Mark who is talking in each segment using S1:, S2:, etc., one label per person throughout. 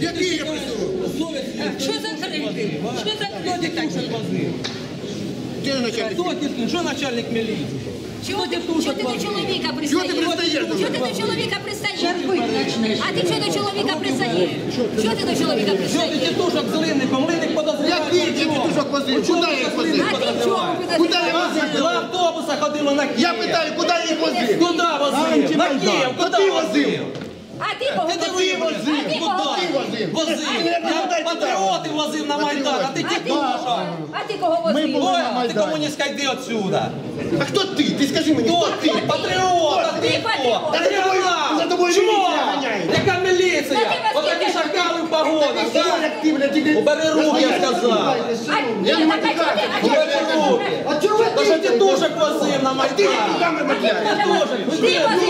S1: Який я присутній?
S2: Що за крики? Що за люди так?
S1: Де начальник?
S2: Що начальник міліції?
S3: Чого ти до чоловіка пристаєш?
S1: Чого ти пристаєш?
S3: Чого ти до чоловіка пристаєш? А ти чого до чоловіка пристаєш? Чого ти до чоловіка
S2: Що ти
S3: пристаєш?
S2: тітушок з линником? Линник подозріває.
S1: Який ти тітушок возив? Куди я їх возив?
S3: А ти чого
S1: Куди я
S3: підозрюєш?
S1: возив?
S2: На автобусах ходило на Київ.
S1: Я питаю, куди я їх возив?
S2: Куди возив? На Київ,
S1: Куди
S2: куди
S1: возив?
S2: возив?
S3: А ти кого
S2: Ти
S3: возив?
S2: возив?
S3: А ти
S2: Куди?
S3: кого возив?
S2: Возив.
S1: А
S2: Я патріоти возив на Майдан, а ти тітушок.
S3: А ти кого возив?
S2: Ой, ти комуністка, йди отсюда.
S1: А хто ти? Ти скажи мені, хто ти?
S2: Патріот, а ти хто?
S1: Та за тобою- за тобою
S2: Чмо?
S1: міліція ганяє.
S2: Яка міліція? Отакі шакали в погонах, так?
S1: Як ти, блядь, тільки...
S2: Убери руки, я сказав.
S3: Ні, так а чого ти? А чого
S2: Убери руки.
S1: А чого ви
S2: Та що тітушок возив на Майдан?
S3: Ти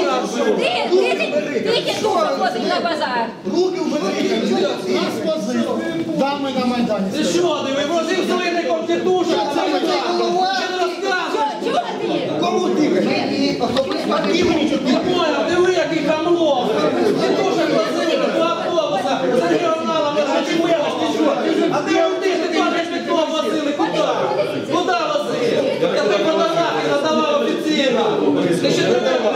S3: тітушок возив на базар.
S1: Руки вбери. Дами на Майдані.
S2: Ти що, диви, возив з линником тітушок на Майдан? Ще не розказуй.
S3: Чого ти?
S1: Кому ти? А ти мені що ти?
S2: Понял, диви, який хамло. Тітушок возив до автобуса з регіоналами. А ти один, ти теж пітло возили. Куди? Куди возив? Я тобі фотографії надавав офіційно. Ти ще не давав.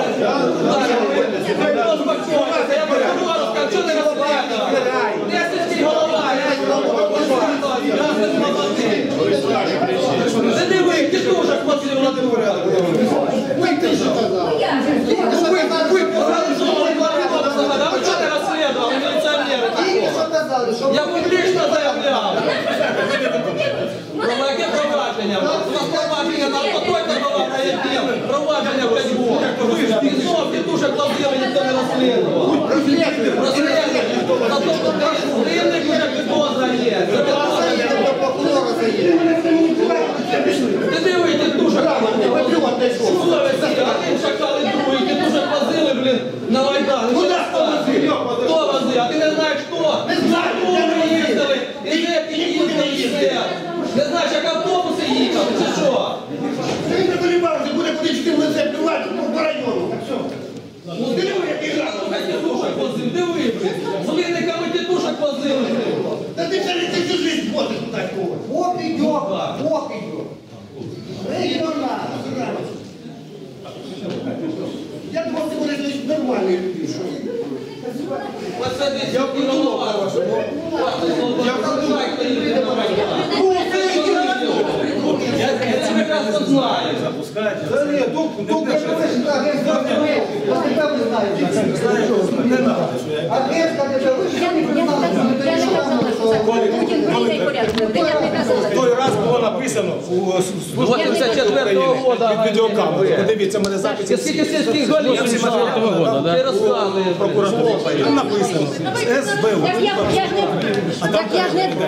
S2: Я прокурору скажу, чого ти розказуєш? Де сільський голова? Не диви, тітушок возив на дворі. А ви чого не розслідували, міліціонери? Я публічно заявляв. Про яке провадження? У нас провадження на алкотойка була на яким? Провадження в Кадьбу. І знов тітушок ловили, ніхто не розслідував. Розслідували. Зато тут ринник вже підозра є. Це підозра є. Ти диви, тітушок ловили. Один шакали другий, тітушок возили, блін, на Майдан. Хто возив? А ти не знаєш хто? Не знаю, ми їздили. І де ти їздили, і все. Не знаєш, як автобуси їхали, чи що?
S1: Ти не колібався, буде куди ти в лице плювати по району. Ну, диви, який раз.
S2: Хай тітушок возив, диви, блін. З линниками тітушок возили, блін.
S1: Та ти всю жизнь возиш туди когось. Ох идет, ох идет. Регионально, я думал, ты будешь нормальный люди.
S2: Оце десь я голова. Я це прекрасно знаю.
S1: Да нет, только не надо.
S3: Я не казала, що це Путін прийде і порядку. Я не казала.
S4: Той раз було написано у
S2: 84-го года.
S4: відеокамеру. Подивіться, мене записи.
S2: Скільки сільських голів? 84-го года, да? Ти розказуєш.
S4: Там написано СБУ.
S3: Так я ж не...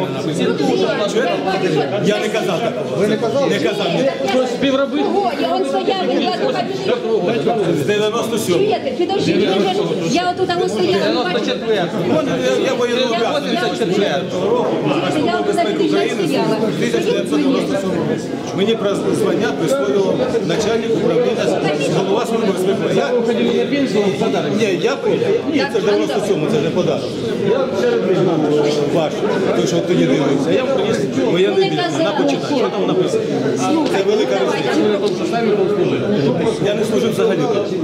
S4: Я не казав такого. Ви не казали? Не казав.
S3: Ого, он стояв, він кладу кабінет.
S4: З 97-го.
S3: Чуєте, підожди, я отут там стояла.
S2: 94-го.
S4: Я воєнний обов'язок.
S2: 84-го року.
S3: Я отут там стояла.
S4: 1997 році. Мені про звання присвоїло начальник управління голова служби безпеки. Ні, це 97-му, це не подарок. Ваш, той, що тоді дивився. Я приніс воєнний білет, вона почитає. Що там написано? Це велика різниця. Я не служив взагалі.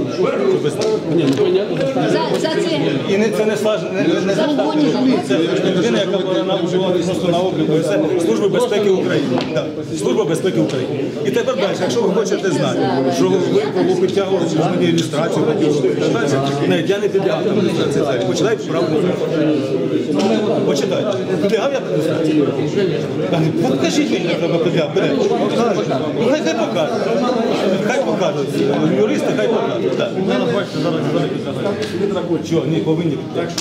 S3: За це.
S4: І це не це людина, яка була просто на обліку. Це Служба безпеки України. Так, Служба безпеки України. І тепер далі, якщо ви хочете знати, що ви підтягували через мені ілюстрацію, навіть я не підлягав там ілюстрації. Почитайте правду. Почитайте. Підлягав я ілюстрацію? Покажіть мені, як треба підлягати. Хай покажуть. Хай покажуть. Юристи хай покажуть. Чого? Ні, повинні.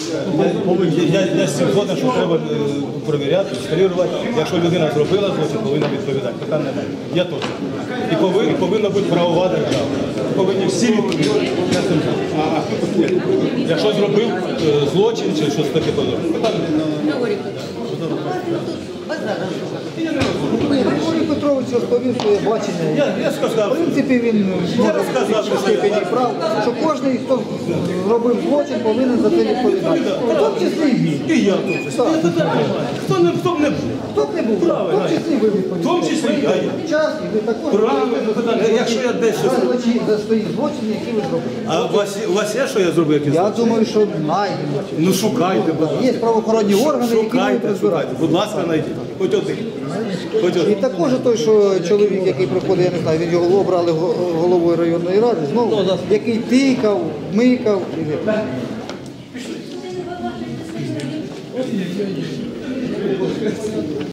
S4: Я з цим згоден, що треба перевіряти, скалірувати. Якщо людина зробила злочин, повинна відповідати. Питань немає. Я точно. І повинна бути правова держава. Повинні всі відповідати. Якщо зробив злочин чи щось таке подобне. Питань немає.
S5: Петрович розповів своє бачення.
S4: Я
S5: В
S4: сказав,
S5: принципі, він може
S4: розказав,
S5: в степені прав, що кожен, хто зробив злочин, повинен за це відповідати. В тому числі і він.
S4: і я тут.
S5: Так.
S4: Хто б не був?
S5: Хто б не був, в тому числі ви відповідаєте.
S4: В тому числі і я.
S5: Час, і ви також
S4: Правильно, якщо я десь щось...
S5: за свої злочини, які ви зробили.
S4: А у вас є, що я зробив? Якісь?
S5: Я думаю, що знайдемо.
S4: Ну шукайте, будь ласка.
S5: Є правоохоронні органи, які будуть
S4: Шукайте,
S5: розбирати.
S4: Будь ласка, знайдіть. Хоч один. Хоч
S5: І
S4: один.
S5: також той, що чоловік, який приходить, я не знаю, він його обрали головою районної ради, знову, який тикав, микав.